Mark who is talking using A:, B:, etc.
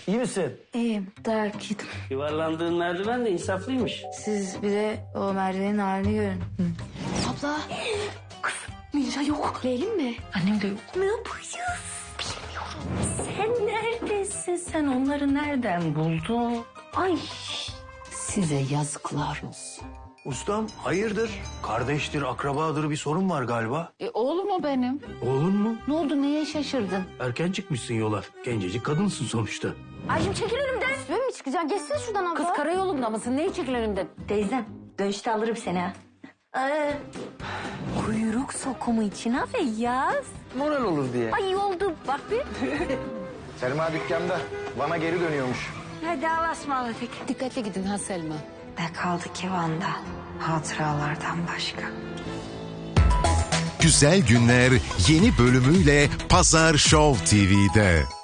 A: İyi misin?
B: İyiyim, dayak yedim.
A: Yuvarlandığın merdiven de insaflıymış.
B: Siz bir de o merdivenin halini görün.
C: Abla. Kız Ninja yok. Leylim mi?
B: Annem de yok.
C: Ne yapacağız?
B: Sen neredesin? Sen onları nereden buldun?
C: Ay size yazıklar olsun.
D: Ustam hayırdır? Kardeştir, akrabadır bir sorun var galiba.
C: Oğlum o benim.
D: Oğlun mu?
C: Ne oldu neye şaşırdın?
D: Erken çıkmışsın yola. Gencecik kadınsın sonuçta.
C: Ayşem çekil önümden. Üstüme mi çıkacaksın? Geçsene şuradan abla. Kız karayolunda mısın? Neyi çekil önümden?
B: Teyzem, dönüşte alırım seni ha.
C: Kuyruk sokumu içine ve yaz.
E: Moral olur diye.
C: Ay oldu bak bir.
E: Selma dükkanda. Bana geri dönüyormuş.
B: Hadi Allah'a ısmarladık.
C: Dikkatli gidin ha Selma.
B: Ne kaldı ki Van'da? Hatıralardan başka.
F: Güzel Günler yeni bölümüyle Pazar Show TV'de.